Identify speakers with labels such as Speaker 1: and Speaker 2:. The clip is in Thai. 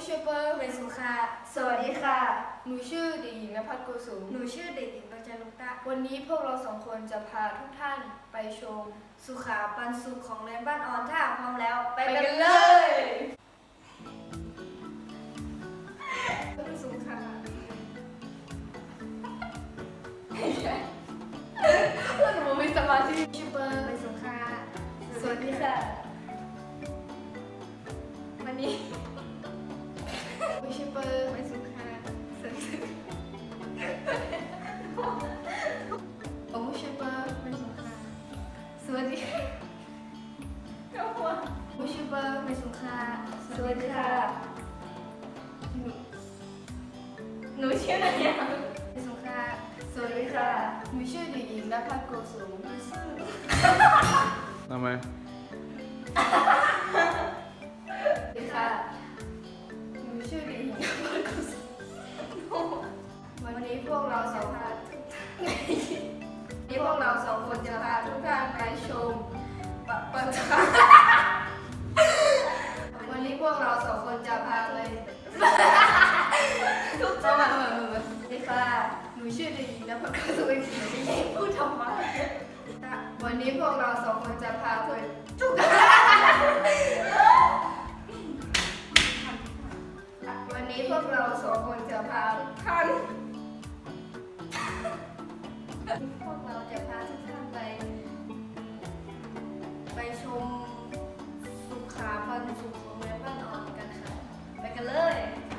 Speaker 1: ชื่อเปิ้ลเป็นสุขาสวัสดีค่ะ หนูชื่อเด็กหญิงณภัทรโกสุมหนูชื่อเด็กหญิงปัญจลุกตะวันนี้พวกเราสองคนจะพาทุกท่านไปชมสุขาปันสุขของเรียนบ้านออนถ้าพร้อมแล้วไปกันเลยสุขาหนูมีสมาธิชื่อเปิ้ลเป็นสุขาสวัสดีค่ะวันนี้ชื่อเปิ้ลเป็นสุขาผมชื่อเปิ้ลเป็นสุขาสวัสดีผมชื่อเปิ้ลเป็นสุขาสวัสดีค่ะหนูชื่ออะไรเป็นสุขาสวัสดีค่ะหนูชื่อเด็กหญิงณภัทรโกสุม
Speaker 2: ทำไม
Speaker 1: สวัสดีค่ะหนูชื่อเด็กหญิงณภัทรโกสุมวันนี้พวกเราสองคนจะพาทุกท่านไปชมประจวันนี้พวกเราสองคนจะพาไปทุกจังหวัดสวัสดีค่ะหนูชื่อเด็กหญิงณภัทรโกสุมไม่พูดทำไมวันนี้พวกเราสองคนจะพาไปทุกวันนี้พวกเราสองคนจะพาท่านพวกเราจะพาทุกท่านไปชมสุขาปันสุขของเรียนบ้านอ่อนกันค่ะไปกันเลย